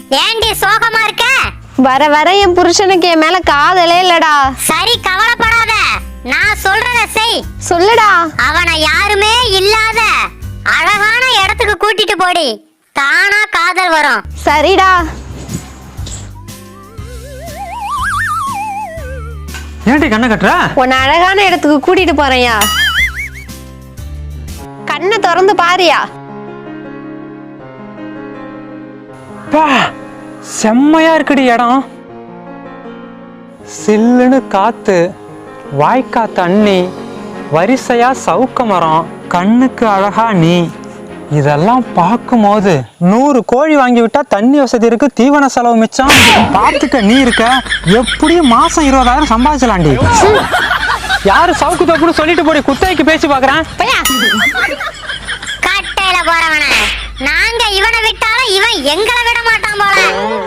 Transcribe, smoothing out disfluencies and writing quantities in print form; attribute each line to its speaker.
Speaker 1: ஏண்டி சோகமா இருக்க?
Speaker 2: வர வர என் புருஷனுக்கு என் மேல காதலே இல்லடா.
Speaker 1: சரி கவலைப்படாத, நான் சொல்றத செய்.
Speaker 2: சொல்லுடா.
Speaker 1: அவனை யாருமே இல்லாத அழகான இடத்துக்கு கூட்டிட்டு போடி, தானா காதல் வரும்.
Speaker 2: சரிடா.
Speaker 3: ஏன்டி கண்ணை கட்டுற?
Speaker 2: உன்னை அழகான இடத்துக்கு கூட்டிட்டு போறேன்யா. கண்ணை திறந்து பாரியா.
Speaker 3: பா, செம்மையா இருக்குடி இடம். சில்லுன்னு காத்து, வாய்க்கா தண்ணி, வரிசையா சவுக்க மரம், கண்ணுக்கு அழகா நீ. இதெல்லாம் பார்க்கும்போது 100 கோழி வாங்கி விட்டா தண்ணி வசதி இருக்கு, தீவன செலவு மிச்சம். பார்த்துக்க நீ இருக்க, எப்படியும் மாசம் 20,000 சம்பாதிச்சலாண்டி. யாரு சவுக்கு தப்புன்னு சொல்லிட்டு போடி, குத்தகைக்கு பேசி பாக்குறேன்.
Speaker 1: கட்டையில போறவன நாங்க இவனை விட்டாலும் இவன் எங்களை விட மாட்டான் போல.